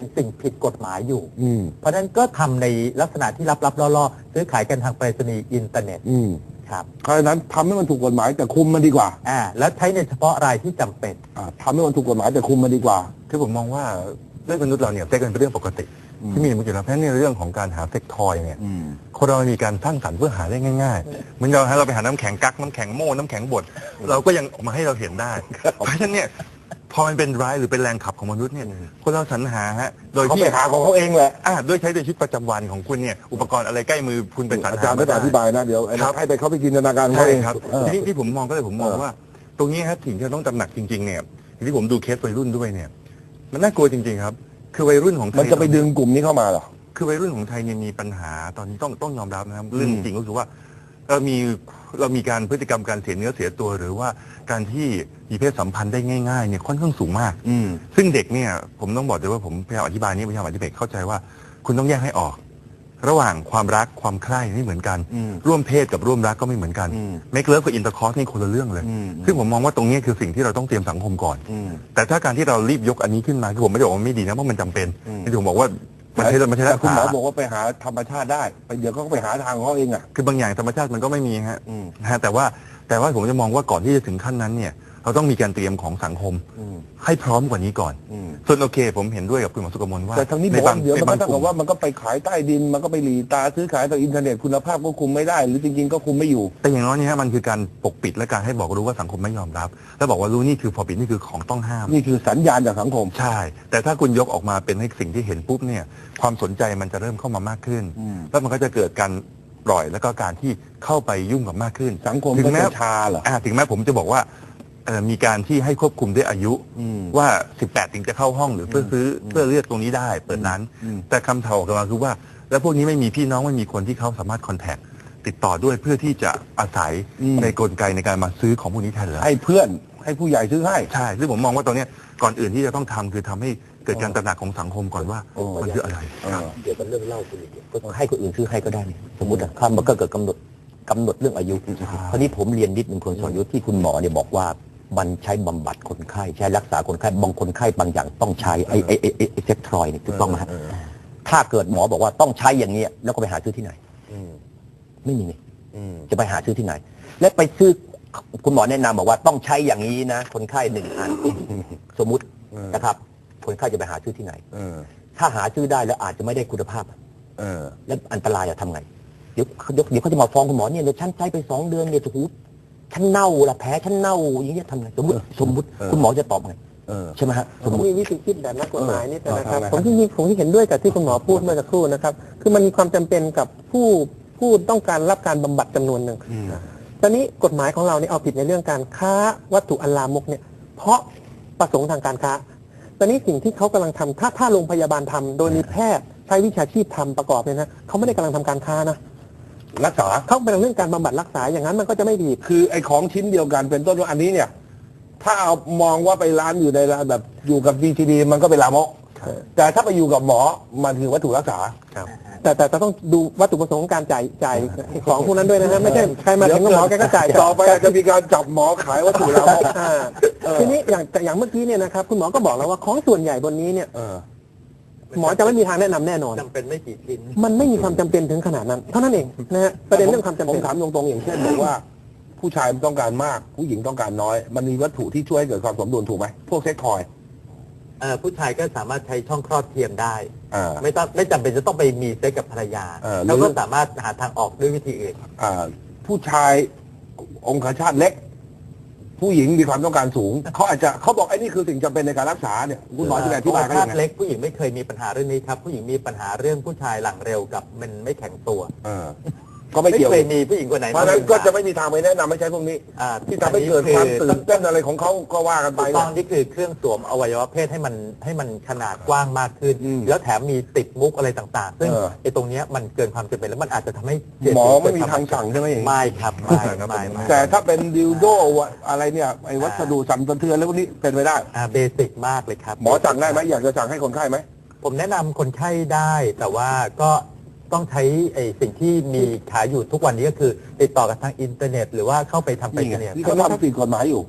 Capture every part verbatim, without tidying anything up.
สิ่งผิดกฎหมายอยู่เพราะฉะนั้นก็ทำในลักษณะที่ลับๆล่อๆซื้อขายกันทางไปรษณีย์อินเทอร์เน็ตครับเพราะฉะนั้นทำให้มันถูกกฎหมายแต่คุมมันดีกว่าอ่าแล้วใช้ในเฉพาะรายที่จำเป็นอ่าทำให้มันถูกกฎหมายแต่คุมมันดีกว่าคือผมมองว่าเรื่องมนุษย์เราเนี่ยเซ็กเป็นเรื่องปกติที่มีอยู่แล้วเพราะฉะนั้นในเรื่องของการหาเซ็กทอยเนี่ยคนเรามีการสร้างสรรค์เพื่อหาได้ง่ายๆเหมือนเราให้เราไปหาน้ำแข็งกักน้ำแข็งโม่น้ำแข็งบดเราก็ยังออกมาให้เราเห็นได้เพราะฉะนั้นเนี่ยพอมันเป็นร้ายหรือเป็นแรงขับของมนุษย์เนี่ยคนเราสรรหาฮะโดยที่เขาไปหาของเขาเองแหละอ่าด้วยใช้ในชีวิตประจำวันของคุณเนี่ยอุปกรณ์อะไรใกล้มือคุณเป็นสรรหาอาจารย์ไม่ต้องอธิบายนะเดี๋ยวให้ไปเขาไปจินตนาการเขาเองครับทีนี้ที่ผมมองก็เลยผมมองว่าตรงนี้ครับสิ่งที่เราต้องตระหนักจริงๆเนี่ยที่ผมดูเคสวัยรุ่นด้วยเนี่ยมันน่ากลัวจริงๆครับคือวัยรุ่นของไทยมันจะไปดึงกลุ่มนี้เข้ามาเหรอคือวัยรุ่นของไทยเนี่ยมีปัญหาตอนนี้ต้องต้องยอมรับนะครับเรื่องจริงก็คือว่าเรามีเรามีการพฤติกรรมการเสียเนื้อเสียตัวหรือว่าการที่มีเพศสัมพันธ์ได้ง่ายๆเนี่ยค่อนข้างสูงมากซึ่งเด็กเนี่ยผมต้องบอกเลยว่าผมพยายามอธิบายนี้พยายามอธิบายเข้าใจว่าคุณต้องแยกให้ออกระหว่างความรักความใคร่ไม่เหมือนกันร่วมเพศกับร่วมรักก็ไม่เหมือนกันเมคเลิฟกับอินเตอร์คอร์สนี่คนละเรื่องเลยซึ่งผมมองว่าตรงนี้คือสิ่งที่เราต้องเตรียมสังคมก่อนแต่ถ้าการที่เรารีบยกอันนี้ขึ้นมาคือผมไม่ได้บอกว่าไม่ดีนะเพราะมันจำเป็นที่ผมบอกว่ามันใช่มันใช่คุณหมอบอกว่าไปหาธรรมชาติได้ไปเดี๋ยวก็ไปหาทางของเขาเองอ่ะคือบางอย่างธรรมชาติมันก็ไม่มีฮะนะแต่ว่าแต่ว่าผมจะมองว่าก่อนที่จะถึงขั้นนั้นเนี่ยเราต้องมีการเตรียมของสังคมให้พร้อมกว่านี้ก่อนส่วนโอเคผมเห็นด้วยกับคุณหมอสุกมลว่าแต่ทางนี้บอกว่าเดี๋ยวมันก็ต้องว่ามันก็ไปขายใต้ดินมันก็ไปหลีตาซื้อขายต่ออินเทอร์เน็ตคุณภาพก็คุมไม่ได้หรือจริงๆก็คุมไม่อยู่แต่อย่างน้อยเนี่ยมันคือการปกปิดและการให้บอกรู้ว่าสังคมไม่ยอมรับแล้วบอกว่ารู้นี่คือพอปิดนี่คือของต้องห้ามนี่คือสัญญาณจากสังคมใช่แต่ถ้าคุณยกออกมาเป็นให้สิ่งที่เห็นปุ๊บเนี่ยความสนใจมันจะเริ่มเข้ามามากขึ้นแล้วมันก็จะเกิดการปล่อยแล้วก็การที่เข้าไปยุ่งกับมากขึ้นสังคมถึงแม้ชาเหรอถึงแม้ผมจะบอกว่ามีการที่ให้ควบคุมด้วยอายุว่าสิบแปดถึงจะเข้าห้องหรือเพื่อซื้อเพื่อเลือกตรงนี้ได้เปิดร้านแต่คำถามออกมาคือว่าแล้วพวกนี้ไม่มีพี่น้องไม่มีคนที่เขาสามารถคอนแทคติดต่อด้วยเพื่อที่จะอาศัยในกลไกในการมาซื้อของพวกนี้แทนเหรอให้เพื่อนให้ผู้ใหญ่ซื้อให้ใช่ซึ่งผมมองว่าตรงนี้ก่อนอื่นที่จะต้องทำคือทำให้เกิดการตระหนักของสังคมก่อนว่ามันคืออะไรเดี๋ยวมันเรื่องเล่าคุณอีกก็ให้คนอื่นซื้อให้ก็ได้สมมติอะข้ามมันก็เกิดกำหนดกำหนดเรื่องอายุคราวนี้ผมเรียนนิดนึงคนสอนยุทธที่คุณหมอเนี่ยบอกว่ามันใช้บำบัดคนไข้ใช้รักษาคนไข้บางคนไข้บางอย่างต้องใช้ไอ้ไอ้ไอ้ไอ้เซ็กทรอยนี่ถูกต้องไหมถ้าเกิดหมอบอกว่าต้องใช้อย่างเงี้ยแล้วก็ไปหาซื้อที่ไหนไม่มีนี่จะไปหาซื้อที่ไหนและไปซื้อคุณหมอแนะนำบอกว่าต้องใช้อย่างนี้นะคนไข้หนึ่งอันสมมุตินะครับคนไข้จะไปหาซื้อที่ไหนถ้าหาซื้อได้แล้วอาจจะไม่ได้คุณภาพแล้วอันตรายจะทำไงเดี๋ยวเดี๋ยวเขาจะมาฟ้องคุณหมอเนี่ยเดี๋ยวฉันใช้ไปสองเดือนเนี่ยถูกฉันเน่าละแผลฉันเน่าอย่างเงี้ยทำไงสมมติสมมติคุณหมอจะตอบไงใช่ไหมฮะผมมีวิธีคิดแบบนักกฎหมายนี่นะครับผมที่ผมที่เห็นด้วยกับที่คุณหมอพูดเมื่อสักครู่นะครับคือมันมีความจำเป็นกับผู้ผู้ต้องการรับการบำบัดจำนวนหนึ่งตอนนี้กฎหมายของเราเนี่ยเอาผิดในเรื่องการค้าวัตถุอันลามกเนี่ยเพราะประสงค์ทางการค้าตอนนี้สิ่งที่เขากำลังทำถ้าถ้าโรงพยาบาลทำโดยมีแพทย์ใช้วิชาชีพทำประกอบเนี่ยนะเขาไม่ได้กำลังทำการค้านะรักษาเขาเป็นเรื่องการบำบัดรักษาอย่างนั้นมันก็จะไม่ดีคือไอ้ของชิ้นเดียวกันเป็นต้นว่าอันนี้เนี่ยถ้าเอามองว่าไปร้านอยู่ในร้านแบบอยู่กับ วี ที ดี มันก็เป็นลามกแต่ถ้าไปอยู่กับหมอมันคือวัตถุรักษาแต่แต่ต้องดูวัตถุประสงค์การจ่ายจ่ายของพวกนั้นด้วยนะฮะไม่ใช่ใครมาถึงหมอแกก็จ่ายต่อไปจะมีการจับหมอขายวัตถุลามกทีนี้อย่างอย่างเมื่อกี้เนี่ยนะครับคุณหมอก็บอกแล้วว่าของส่วนใหญ่บนนี้เนี่ยหมอจะไม่มีทางแนะนำแน่นอนจำเป็นไม่กี่ชิ้นมันไม่มีความจำเป็นถึงขนาดนั้นเท่านั้นเองนะฮะประเด็นเรื่องความจำเป็นผมถามตรงๆอย่างเช่นบอกว่าผู้ชายต้องการมากผู้หญิงต้องการน้อยมันมีวัตถุที่ช่วยให้เกิดความสมดุลถูกไหมพวกเซ็กทอยผู้ชายก็สามารถใช้ช่องคลอดเทียมได้ไม่ต้องไม่จำเป็นจะต้องไปมีเซ็กกับภรรยาแล้วก็สามารถหาทางออกด้วยวิธีอื่นผู้ชายองคชาตเล็กผู้หญิงมีความต้องการสูงเขาอาจจะเขาบอกไอ้นี่คือสิ่งจำเป็นในการรักษาเนี่ยคุณหมอจะอธิบายว่าเล็กผู้หญิงไม่เคยมีปัญหาเรื่องนี้ครับผู้หญิงมีปัญหาเรื่องผู้ชายหลังเร็วกับมันไม่แข็งตัวก็ไม่เกี่ยวไม่เคยมีผู้หญิงคนไหนเพราะนั้นก็จะไม่มีทางไปแนะนำไม่ใช้พวกนี้ที่ทำให้เกิดความตื่นเต้นอะไรของเขาก็ว่ากันไปตอนนี้คือเครื่องสวมอวัยวะเพศให้มันให้มันขนาดกว้างมากขึ้นแล้วแถมมีติดมุกอะไรต่างๆซึ่งไอ้ตรงนี้มันเกินความจำเป็นแล้วมันอาจจะทำให้หมอไม่มีทางสั่งใช่ไหมไม่ครับไม่ไม่แต่ถ้าเป็นดิวโดอะไรเนี่ยไอ้วัสดุสั่นสะเทือนแล้วพวกนี้เป็นไปได้เบสิกมากเลยครับหมอสั่งได้ไหมอยากจะสั่งให้คนไข้ไหมผมแนะนำคนไข้ได้แต่ว่าก็ต้องใช้ไอ้สิ่งที่มีขายอยู่ทุกวันนี้ก็คือติดต่อกับทางอินเทอร์เน็ตหรือว่าเข้าไปทำไปเนี่ยนี่เขาทำผิดกฎหมายอยู่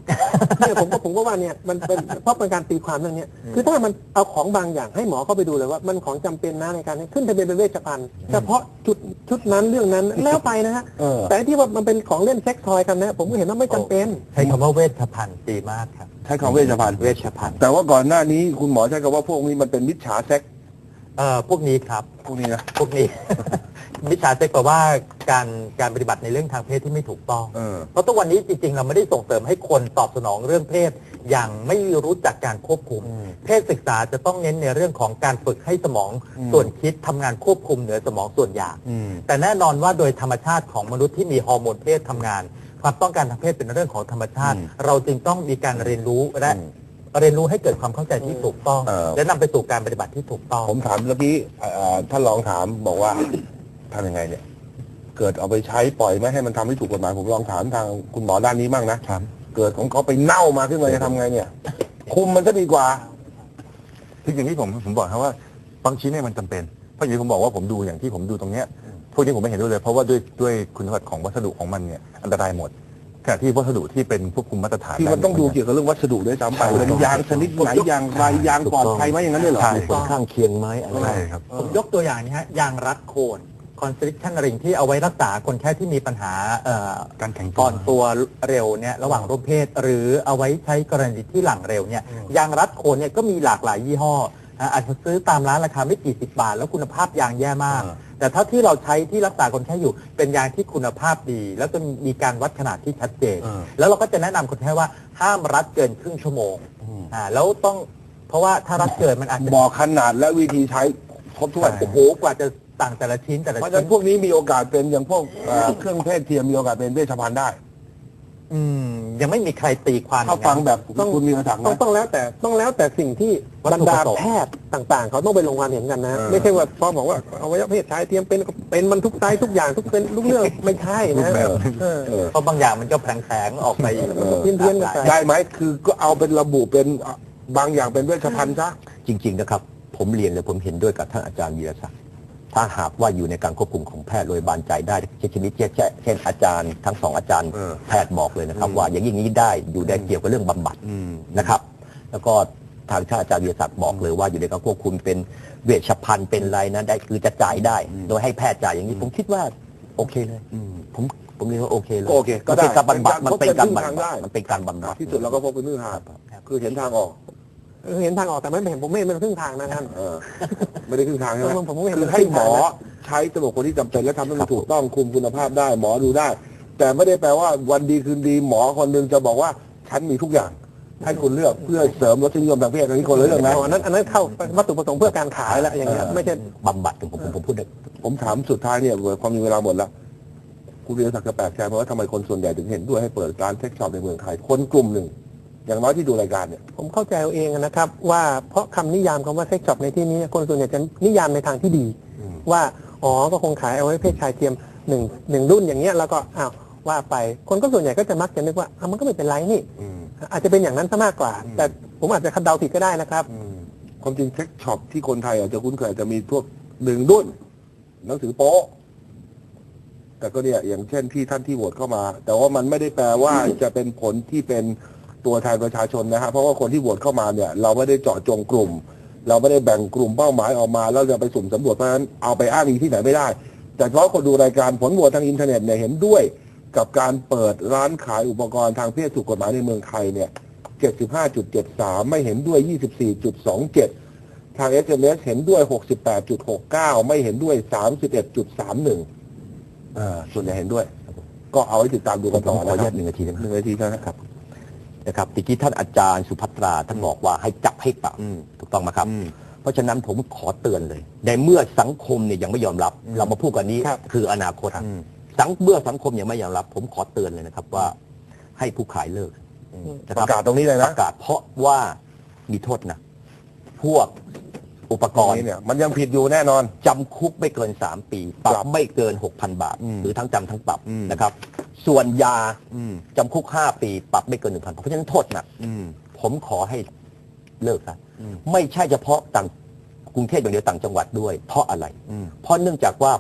เนี่ยผมก็ผมก็ว่าเนี่ยมันเป็นเพราะเป็นการตีความเรื่องเนี้ยคือถ้ามันเอาของบางอย่างให้หมอเข้าไปดูเลยว่ามันของจำเป็นนะในการขึ้นทะเบียนเป็นเวชภัณฑ์เฉพาะจุดชุดนั้นเรื่องนั้นแล้วไปนะฮะเออแต่ที่ว่ามันเป็นของเล่นเซ็กซ์ทอยกันนะผมก็เห็นว่าไม่จำเป็นใช้คำว่าเวชภัณฑ์ดีมากครับใช้คำเวชภัณฑ์เวชภัณฑ์แต่ว่าก่อนหน้านี้คุณหมอใช้คำว่าพวกนี้มันเป็นมิจฉาเซ็กเอ่อพวกนี้ครับพวกนี้นะพวกนี้ มิจฉาเซ็กแปลว่าการการปฏิบัติในเรื่องทางเพศที่ไม่ถูกต้องเออเพราะทุกวันนี้จริงๆ เราไม่ได้ส่งเสริมให้คนตอบสนองเรื่องเพศ อย่างไม่รู้จักการควบคุม เพศศึกษาจะต้องเน้นในเรื่องของการฝึกให้สมองส่วนคิดทำงานควบคุมเหนือสมองส่วนอยาก แต่แน่นอนว่าโดยธรรมชาติของมนุษย์ที่มีฮอร์โมนเพศทำงาน ความต้องการทางเพศเป็นเรื่องของธรรมชาติ เราจึงต้องมีการเรียนรู้และเรียนรู้ให้เกิดความเข้าใจที่ถูกต้องเออและนำไปสู่การปฏิบัติที่ถูกต้องผมถามเมื่อกี้เอ่อท่านรองถามบอกว่าทำยังไงเนี่ย เกิดเอาไปใช้ปล่อยไม่ให้มันทำให้ถูกกฎหมายผมลองถามทางคุณหมอด้านนี้บ้างนะครับ เกิดของเขาไปเน่ามาขึ้นมาจะทำไงเนี่ย คุมมันก็ดีกว่าคืออย่างที่ผมผมบอกครับว่าบางชิ้นเนี่ยมันจำเป็นเพราะอย่างที่ผมบอกว่าผมดูอย่างที่ผมดูตรงเนี้ยพวกนี้ผมไม่เห็นด้วยเลย เพราะว่าด้วยด้วยคุณสมบัติของวัสดุของมันเนี่ยอันตรายหมดขณะที่วัสดุที่เป็นควบคุมมาตรฐานที่มันต้องดูเกี่ยวกับเรื่องวัสดุด้วยซ้ำไปเป็นยางชนิดไหนยางไรยางปลอดภัยไหมอย่างนั้นเลยเหรอใช่ผลข้างเคียงไหมอะไรใช่ครับผมยกตัวอย่างนี้ฮะยางรัดโคนคอนสตริ c ชันริงที่เอาไว้รักษาคนแค่ที่มีปัญหาเอ่อการแข็งตัวก่อนตัวเร็วเนี่ยระหว่างร่วมเพศ หรือเอาไว้ใช้กรณีที่หลังเร็วเนี่ยยางรัดโคนเนี่ยก็มีหลากหลายยี่ห้ออ่ะอาจจะซื้อตามร้านราคาไม่กี่สิบบาท แล้วคุณภาพยางแย่มาก แต่ถ้าที่เราใช้ที่รักษาคนไข้อยู่เป็นยางที่คุณภาพดี แล้วก็มีการวัดขนาดที่ชัดเจน แล้วเราก็จะแนะนำคนไข้ว่าห้ามรัดเกินครึ่งชั่วโมงอ่าแล้วต้องเพราะว่าถ้ารัดเกินมันอาจจะบอกขนาดและวิธีใช้ครบถ้วนโอ้โหกว่าจะต่างแต่ละชิ้นแต่ละเพราะฉะชิ้นั้น นพวกนี้มีโอกาสเป็นอย่างพวกเอ่อเครื่องเพศเทียมมีโอกาสเป็นเวชภัณฑ์ได้อืมยังไม่มีใครตีความถ้าฟังแบบคุณมีกระถังต้องนะต้องแล้วแต่ต้องแล้วแต่สิ่งที่วัตบรถุรปดาระสงค์แพทย์ต่างๆ เขาต้องไปลงความเห็นกันนะเออไม่ใช่ว่าพอบอกว่าอวัยวะเพศชายเทียมเป็นเป็นมันทุกไซส์ทุกอย่างทุกเป็นทุกเรื่องไม่ใช่นะเออเออเออเพราะบางอย่างมันก็แผลงๆออกไปเพี้ยนๆกันไปได้ไหมคือก็เอาเป็นระบุเป็นบางอย่างเป็นเวชภัณฑ์ซะจริง ๆ นะครับ ผมเรียนเลยผมเห็นด้วยกับท่านอาจารย์วีรศักดิ์ถ้าหากว่าอยู่ในการควบคุมของแพทย์โดยบานใจได้เช่นชนิดเช่นเช่นอาจารย์ทั้งสองอาจารย์เออแพทย์บอกเลยนะครับ ว่าอย่างนี้ได้อยู่ได้เกี่ยวกับเรื่องบำบัดนะครับ แล้วก็ทางท่านอาจารย์วีรศักดิ์บอกเลยว่าอยู่ในการควบคุมเป็นเวชภัณฑ์เป็นอะไรนะได้คือจะจ่ายได้ โดยให้แพทย์จ่ายอย่างนี้ผมคิดว่าโอเคเลยผมผมเรียกว่าโอเคเลยโอเคก็มันได้เป็นการบำบัดมันเป็นการบำเป็นทางได้บัดมันเป็นการบำบัดที่สุดเราก็พบเป็นพื้นทางคือเห็นทางออกเห็นทางออกแต่ไม่เห็นผมไม่เห็นเป็นครึ่งทางนะท่านเออไม่ได้ครึ่งทางใช่ไหมผมไม่เห็นคือให้หมอใช้สำหรับคนที่จำเป็นและทำให้มันถูกต้องคุมคุณภาพได้ หมอดูได้ แต่ไม่ได้แปลว่าวันดีคืนดีหมอคนหนึงจะบอกว่าฉันมีทุกอย่าง ให้คุณเลือกเพื่อเสริมรสนิยมทางเพศอันนี้คนละเรื่องนะอันนั้นอันนั้นเข้าวัตถุประสงค์เพื่อการขายแล้วอย่างเงี้ยไม่ใช่บำบัดผมผมผมพูดได้ผมถามสุดท้ายเนี่ยความมีเวลาหมดแล้วคุณเรียนศักดิ์จะแปลกใจไหมว่าทำไมคนส่วนใหญ่ถึงเห็นด้วยให้เปิดร้านเซ็กช็อปในเมืองไทยคนกลุ่มหนึ่ง อย่างน้อยที่ดูรายการเนี่ยผมเข้าใจเอาเองนะครับ ว่าเพราะคำนิยามคำว่าเซ็กช็อปในที่นี้คนส่วนใหญ่จะนิยามในทางที่ดี ว่าอ๋อก็คงขายเอาไว้เพศชายเทียมหนึ่งหนึ่งรุ่นอย่างเงี้ยแล้วก็อ้าวว่าไปคนก็ส่วนใหญ่ก็จะมักจะนึกว่าอ้าวมันก็ไม่เป็นไรนี่ อาจจะเป็นอย่างนั้นซะมากกว่า แต่ผมอาจจะคาดเดาผิดก็ได้นะครับความจริงเซ็กช็อปที่คนไทยอาจจะคุ้นเคยอาจจะมีพวกหนึ่งรุ่นหนังสือโป๊ะแต่ก็เนี่ยอย่างเช่นที่ท่านที่โหวตเข้ามา แต่ว่ามันไม่ได้แปลว่าจะเป็นผลที่เป็นตัวแทนประชาชนนะฮะเพราะว่าคนที่โหวตเข้ามาเนี่ย เราไม่ได้เจาะจงกลุ่ม เราไม่ได้แบ่งกลุ่มเป้าหมายออกมาแล้วจะไปสุ่มสำรวจเพราะฉะนั้นเอาไปอ้างอิงที่ไหนไม่ได้ แต่เฉพาะคนดูรายการผลโหวตทางอินเทอร์เน็ตเนี่ยเห็นด้วยกับการเปิดร้านขายอุปกรณ์ทางเพศถูกกฎหมายในเมืองไทยเนี่ย เจ็ดสิบห้าจุดเจ็ดสาม ไม่เห็นด้วย ยี่สิบสี่จุดสองเจ็ด ทาง เอส เอ็ม เอส เห็นด้วย หกสิบแปดจุดหกเก้า ไม่เห็นด้วย สามสิบเอ็ดจุดสามหนึ่ง อ่าส่วนใหญ่เห็นด้วย ก็เอาไว้ติดตามดูกันต่อขออนุนะคญารับตหนึ่งนาทีได้ไหมหนึ่งนาทีนะครับนะครับตะกี้ท่านอาจารย์สุภัตราท่านบอกว่าให้จับให้ปรับถูกต้องไหมครับ เพราะฉะนั้นผมขอเตือนเลยในเมื่อสังคมเนี่ยยังไม่ยอมรับ เรามาพูดกันนี้ครับคืออนาคตสังเมื่อสังคมยังไม่ยอมรับ ผมขอเตือนเลยนะครับว่าให้ผู้ขายเลิกนะปคบระกาศตรงนี้เลยปนะระกาศเพราะว่ามีโทษนะพวกอุปกรณ์นี่เนี่ยมันยังผิดอยู่แน่นอนจำคุกไม่เกินสามปี ปรัครับ บไม่เกิน หกพัน บาท หรือทั้งจำทั้งปรับนะครับ ส่วนยาจำคุกห้าปี ปรับไม่เกินหนึ่งพันเพราะฉะนั้นโทษหนักผมขอให้เลิกนะไม่ใช่เฉพาะต่างกรุงเทพอย่างเดียวต่างจังหวัดด้วย เพราะอะไร เพราะเนื่องจากว่า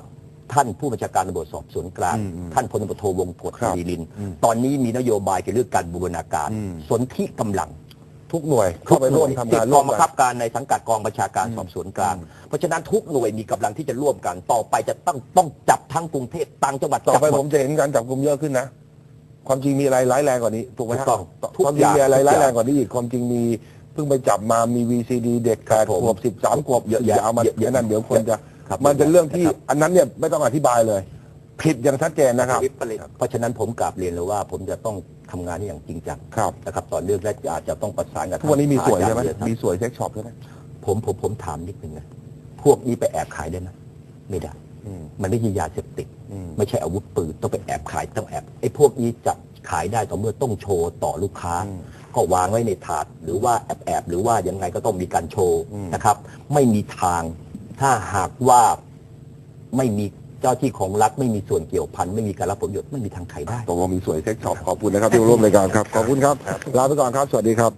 ท่านผู้บัญชาการตำรวจสอบสวนกลางอืมอืมท่านพลตำรวจโทวงศ์กฎครับศิริลินทร์อืมตอนนี้มีนโยบายเกี่ยวกับเรื่องการบูรณาการอืมสนธิกำลังทุกหน่วยเข้าไปร่วมทำติดงานกร่อวงมบังกัคันบการในสังกัดกองบัญชาการอืมสอบสวนกลางอืมเพราะฉะนั้นทุกหน่วยมีกำลังที่จะร่วมกัน ต่อไปจะต้องต้องจับทั้งกรุงเทพต่างจังหวัดต่อไปจับหผม มจะเห็นการจับกลุ่มเยอะขึ้นนะ ความจริงมีอะไรร้ายแรงกว่านี้ถูกไหมถูฮะกต้องทุกความจอริงย่างมีอะไรทุกร้ายอย่างแรงกว่านี้อีกความจริงมีเพิ่งไปจับมามี วี ซี ดี เด็กแปดครับผมขวบสิบสามขวบเยอะแยะย่าเอามาเยอะแยะอันนั้นเดี๋ยวคนจะครับมันเป็นเรื่องที่ครับอันนั้นเนี่ยไม่ต้องอธิบายเลย ผิดอย่างชัดเจนนะครับเพราะฉะนั้นผมกราบเรียนเลยว่าผมจะต้องทำงานนี้อย่างจริงจังครับนะครับต่อเนื่องและอาจจะต้องประสานกับทุกวันนี้มีสวยใช่ไหมอาจารมีย์สวยเซ็กช็อปใช่ไหมผมผมผมถามนิดนึงนะพวกนี้ไปแอบขายได้ไหมไม่ได้อืมมันไม่ใช่ยาเสพติดอืมไม่ใช่อาวุธปืนต้องไปแอบขายต้องแอบไอ้พวกนี้จะขายได้ต่อเมื่อต้องโชว์ต่อลูกค้าอืมก็วางไว้ในถาดหรือว่าแอบแอบหรือว่ายังไงก็ต้องมีการโชว์อืมนะครับ ไม่มีทาง ถ้าหากว่าไม่มีเจ้าที่ของรัฐไม่มีส่วนเกี่ยวพันไม่มีการรับผลประโยชน์ไม่มีทางขายได้ตกลงมีสวยเซ็กช็อปขอบคุณนะครับที่มาร่วมรายการครับขอบคุณครับลาไปก่อนครับสวัสดีครับ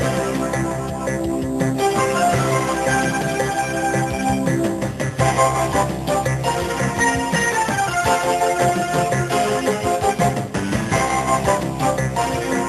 Thank